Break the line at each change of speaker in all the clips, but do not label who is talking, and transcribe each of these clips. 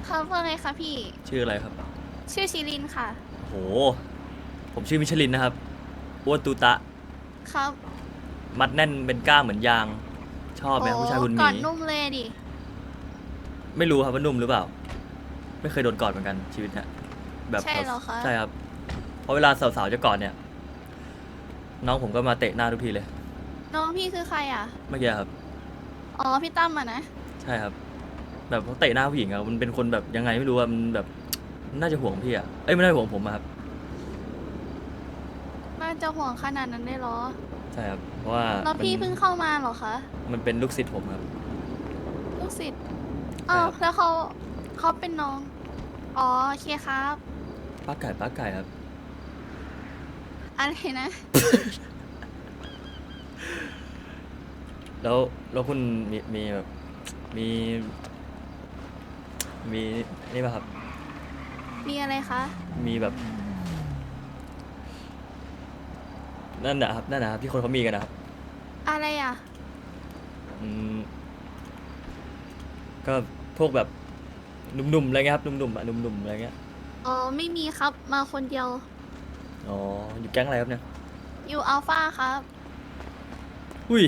ครับว่าไงคะพี่
ชื่ออะไรครับ
ชื่อชิลินค่ะ
โหผมชื่อมิชลินนะครับอ้วนตูตะ
ครับ
มัดแน่นเป็นก้ามเหมือนยาง ชอบไหมครับผู้ชายคุณห
ก่
มี
อนนุ่มเลยดิ
ไม่รู้ครับว่านุ่มหรือเปล่า ไม่เคยโดนกอดเหมือนกันชีวิตเนี้ยแบบ
ใช่เหรอคะ
ใช่ครับเพราะเวลาสาวๆจะกอดเนี่ย น้องผมก็มาเตะหน้าทุกทีเลย
น้องพี่คือใครอ่ะ
เมื่อกี้ครับ
อ๋อ พี่ตั้มอ่ะนะ
ใช่ครับ แบบเขาเตะหน้าผู้หญิงอะมันเป็นคนแบบยังไงไม่รู้อะมันแบบน่าจะห่วงพี่อะเอ้ยไม่ได้ห่วงผมอะครับ
น่าจะห่วงขนาดนั้นได้เหรอ
ใช่ครับเพราะว่า
แล้วพี่เพิ่งเข้ามาเหรอคะ
มันเป็นลูกศิษย์ผมครับ
ลูกศิษย์
ใช่
อ้า
คว รับ
แล้วเขาเป็นน้อง อ๋อโอเคครับ
ป้าไก่ครับ
อะไรนะ
แล้วคุณมีแบบมีมีนี่ป่ะครับ
มีอะไรคะ
มีแบบนั่นนะครับที่คนเขามีกันนะครับ
อะไรอ่ะ
อืมก็พวกแบบหนุ่มๆอะไรเงี้ยครับหนุ่มๆอะหนุ่มๆอะไรเงี้ย
อ๋อ ไม่มีครับ มาคนเดียว
อ๋ออยู่แก๊งอะไรครับเนี่ย
อยู่อัลฟาครับ
อุ้ย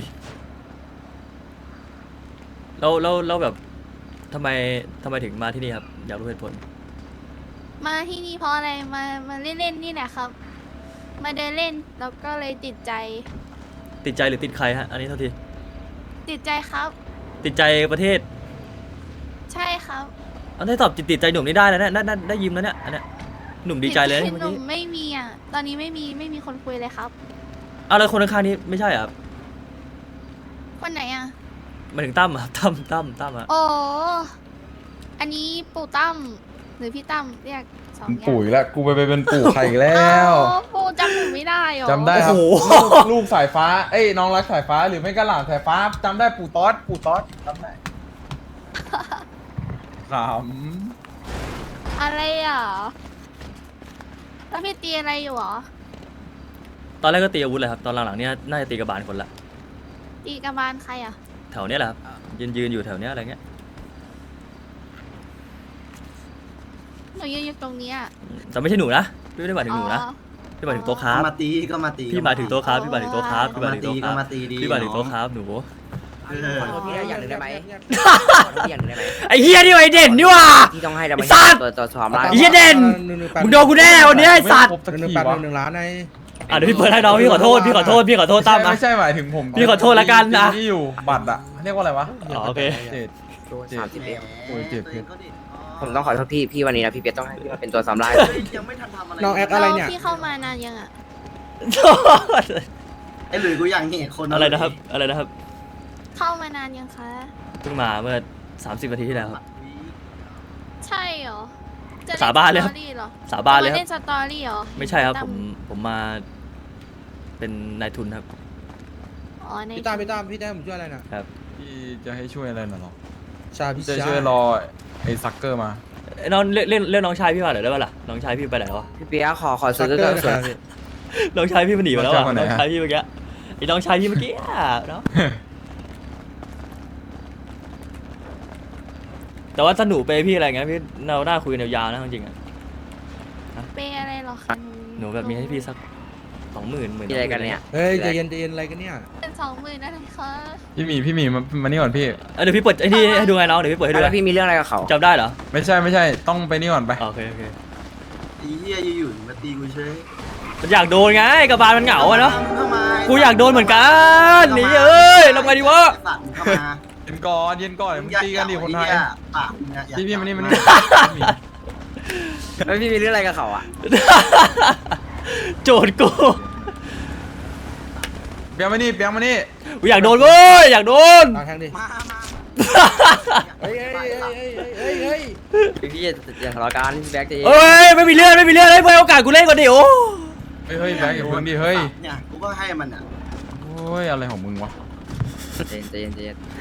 แล้วแบบทำไมถึงมาที่นี่ครับอยากรู้เหตุผล
มาที่นี่เพราะอะไร มาเล่นๆนี่แหละครับ มาเดินเล่นแล้วก็เลยติดใจ
ติดใจหรือติดใครฮะอันนี้เท่าที
ติดใจครับ
ติดใจประเทศ
ใช่ครับ
เอาได้ตอบติดใจหนุ่มนี่ได้แล้วเนี่ยได้ยิ้มแล้วเนี่ยอันเนี้ยหนุ่มดีใจเลยนะ
ติ
เมื่อ
หนุ่
กี้
มไม่มีอ่ะ ตอนนี้ไม่มีคนคุยเลยครับ
เอาแล้วคนข้างๆนี้ไม่ใช่เหรอครับ
คนไหนอ่ะ
หมายถึงตั้มอะครับตั้มอะ
โอ้อันนี้ปู่ตั้มหรือพี่ตั้มเรียกสอง
เป็น
อย่าง
ปู่อีกแล้วกูไปเป็นปู่ใครอีกแล้ว
อ้าวปู่จำหนูไม่ได้เหรอ
จำได้ครับ
โอ้โห
ลูกสายฟ้าเอ้ยน้องรักสายฟ้าหรือไม่ก็หลานสายฟ้าจำได้ปู่ต๊อดจำได้ข
อะไรอ่ะแล้วพี่ตีอะไรอยู่หรอ
ตอนแรกก็ตีอาวุธเลยครับ ตอนหลังๆเนี่ยน่าจะตีกระบาลคนละ
ตีกระบาลใครอ่ะ
แถวเนี้ยแหละครับยืนอยู่แถวเนี้ยอะไรเงี้ย
หนูยืนอยู่ตรงเนี้ย
แต่ไม่ใช่หนูนะพี่ไม่ได้หมายถึงหนูนะ
อ๋อ
พี่หมายถึงโต๊ะครับ
มาตีก็มาตี
พี่หมายถึงโต๊ะครับพี่หมายถึงโต๊ะครับพี่หมาย
มา
ถึง
ตี
โต๊ะค
ก็
รับ
มาตีดี
พี่หมายถึงโต๊ะครับหนู
เออ
ขอโทษพี่ได้อย่างหนึ่งได้ไหมขอโทษพี่อย่างหนึ่งได้ไหม
ไอ้เฮียนี่ไอเด่นนี่ว่ะ
ที่ต้องให้เรา
ไอ้
ไม่
สัตว์
ตัวสอบได้
ไอ้เหี้ยเด่น มึงโดนกูแน่วันนี้ไอ้สัตว์
1
1 ล้านใน
อ่ะเดี๋ยวพี่เปิดให้น้องพี่ขอโทษตั้มนะ
ไม่ใช่หมายถึงผม
พี่ขอโทษละกันนะ
ที่อยู่บัตรอะเรียกว่าอะไรวะ
อ๋อโอเค
เจ็ด
โดน30เอ็ม
โอ้ยเจ็บ
ตัวองก็ดิ
ผมต้องขอโทษพี่วันนี้นะพี่เปียกต้องให้พี่มาเป็นตัวสำราย
เฮ้ยยังไม่ทันทำอะไร
น้องแอคอะไรเนี่ย
แล้วพี่เข้ามานานยังอ่ะ
ไอ้หลุยกูอยากเห็นคน
อะไรนะครับอะไรนะครับ
เข้ามานานยังคะ
เพิ่งมาเมื่อ30 นาทีที่แล้วครับ
ใช่เหรอจะ
สาบานเลยครับ
สตอรี่เหรอ
สาบานเลยค
จะม
รับ
เล่นสตอรี่เหรอ
ไม่ใช่ครับ
ตั้
ผมมาเป็นนายทุนครับ
อ๋อใน
พี่ตามพี่ได้ผมช่วยอะไรน่ะ
พี่จะให้ช่วยอะไรน่ะหรอ
ชาพี่
จะ
ชา
ช่วยรอไอ้ซักเกอร์มา
เอ้ยน้องเรียกน้องชายพี่มาหน่อยได้ป่ะล่ะน้องชายพี่ไปไหนวะ
พี่เปียกขอ
ซั
ซื้
ก
อ
เก
ก็
อร์นะ
ซื้
ค
อ
รับพี่
น้องชายพี่มันหนีไปแล้วอะ
น้องชายคนไหน
น้อง
ฮะ
ชายพี่เมื่อกี้ไอ้น้องชายพี่เมื่อกี้อะเนาะแต่ว่าถ้าหนูเปย์พี่อะไรเงี้ยพี่เราหน้าคุยกันยาวๆนะจริงๆอะ
เปย์อะไรเหรอคะ
หนูแบบมีให้พี่สัก20,000
มีอะไรกันเนี่ย
เฮ้ยใจเย็นอะไรกันเนี่ย
เป็น20,000อะไรคะ
พี่หมีมานี่ก่อนพี่
เดี๋ยวพี่เปิดไอ้นี่ให้ดูไงน้องเดี๋ยวพี่เปิดให้ดู
แล้ว
ไง
พี่มีเรื่องอะไรกับเขา
จำได้เหรอ
ไม่ใช่ต้องไปนี่ก่อนไป
อ๋อโอเค
ไอ้เหี้ยอยู่ๆมาตีกูเฉย
มันอยากโดนไงกระบาลมันเหงาอะเนาะ
เข้ามา
กูอยากโดนเหมือนกันหนีเอ้ยทำไงดีวะ
ไอ้สัตว์มึงเข้ามา
เย็นก่อนเดี๋ยวมึงตีกันดิคนไทย
ปากมึงอะอยาก
พี่มานี่
แล้วพี่มีเรื่องอะไรกับเขาอ่ะ
โจทย์กู
เปียงมานี่
กูอยากโดนเว้ยอยากโดน
ตามแทงดิ
มา
เฮ้ยเฮ้ย
พี่อย่าทะเลาะกันพี่แบ็คจะ
เอ้ยไม่มีเรื่องให้เพื่อนโอกาสกูเล่นก่อนดิโอ้
เฮ้ยแบงค์อย่าพึ่งดิเฮ้ย
เนี่ยกูก็ให้มันอ่ะ
โอ้ยอะไรของมึงวะ
ใจเย็น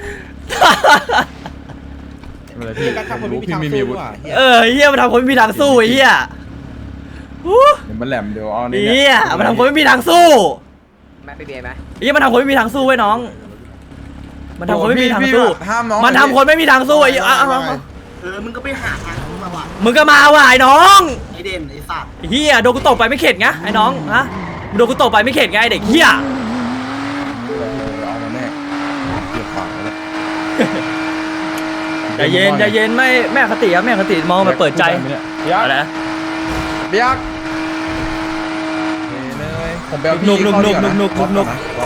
ไม่เป็นไรพี่
พี่ทำคนไม่มี
พี่
ทาง
ไม่มี
สู้
อาวุธ
ว่ะ
เฮียมันทำคนไม่มีทางสู้ไอ้เฮียฮู้
เดี๋ยวมันแหลมเดี๋ยวเอานี่
เฮียมันทำคนไม่มีทางสู้
แม่ไปเบียร์ไหม
เฮียมันทำคนไม่มีทางสู้ไว้ยน้อง มันทำคนไม่มีทางสู้
ห้ามน้อง
มันทำคนไม่มีทางสู้ไอ้เหี้ยเอา
มึงก็ไปหาทางเข้ามาว่ะ
มึงก็มาว่ะไอ้น้อง
ไอเด่นไอสัตว์
ไอ้เฮียโดนกูตบไปไม่เข็ดไงไอ้น้องฮะมึงโดนกูตบไปไม่เข็ดไงไอ้เด็กเฮีย
เอามาแน่เกี่ยวขวางเลย
ใจเย็นใจเย็นไม่แม่คติครับแม่คติมองมาเปิดใจ
เบียก
อะไรนะ
เบียกผมไปเอาพี่
นุก
เข้าดีกว่านะ
นุก